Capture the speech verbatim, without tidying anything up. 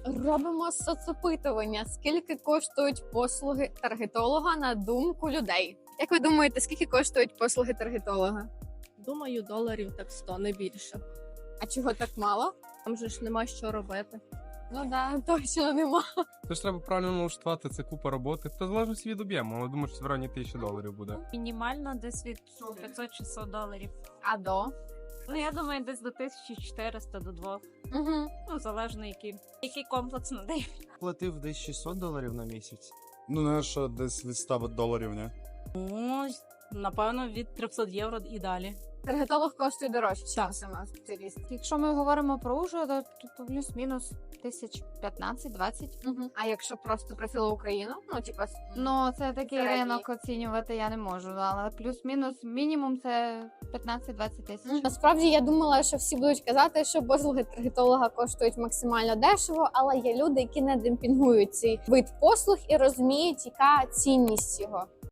Робимо соцопитування. Скільки коштують послуги таргетолога на думку людей? Як ви думаєте, скільки коштують послуги таргетолога? Думаю, доларів так сто, не більше. А чого так мало? Там же ж нема що робити. Ну да, точно нема. Тож треба правильно налаштувати, це купа роботи. Та залежно від об'єму, але думаю, що в районі тисячі доларів буде. Мінімально десь від п'ятсот-шістсот доларів. А до? Ну, я думаю, десь до тисячі чотириста до двох. Угу. Ну, залежно який, який комплекс надають. Платив десь шістсот доларів на місяць. Ну, не що десь від ста доларів, не? Ну, напевно, від трьохсот євро і далі. Таргетолог коштує дорожче, ніж сама спеціаліст. Якщо ми говоримо про Ужгород, то, то плюс-мінус тисяч п'ятнадцять-двадцять. Угу. А якщо просто профіло Україну, ну типа Ну, це такий Середній. ринок оцінювати я не можу, але плюс-мінус мінімум це п'ятнадцять-двадцять тисяч. насправді я думала, що всі будуть казати, що послуги таргетолога коштують максимально дешево, але є люди, які не демпінгують цей вид послуг і розуміють, яка цінність його.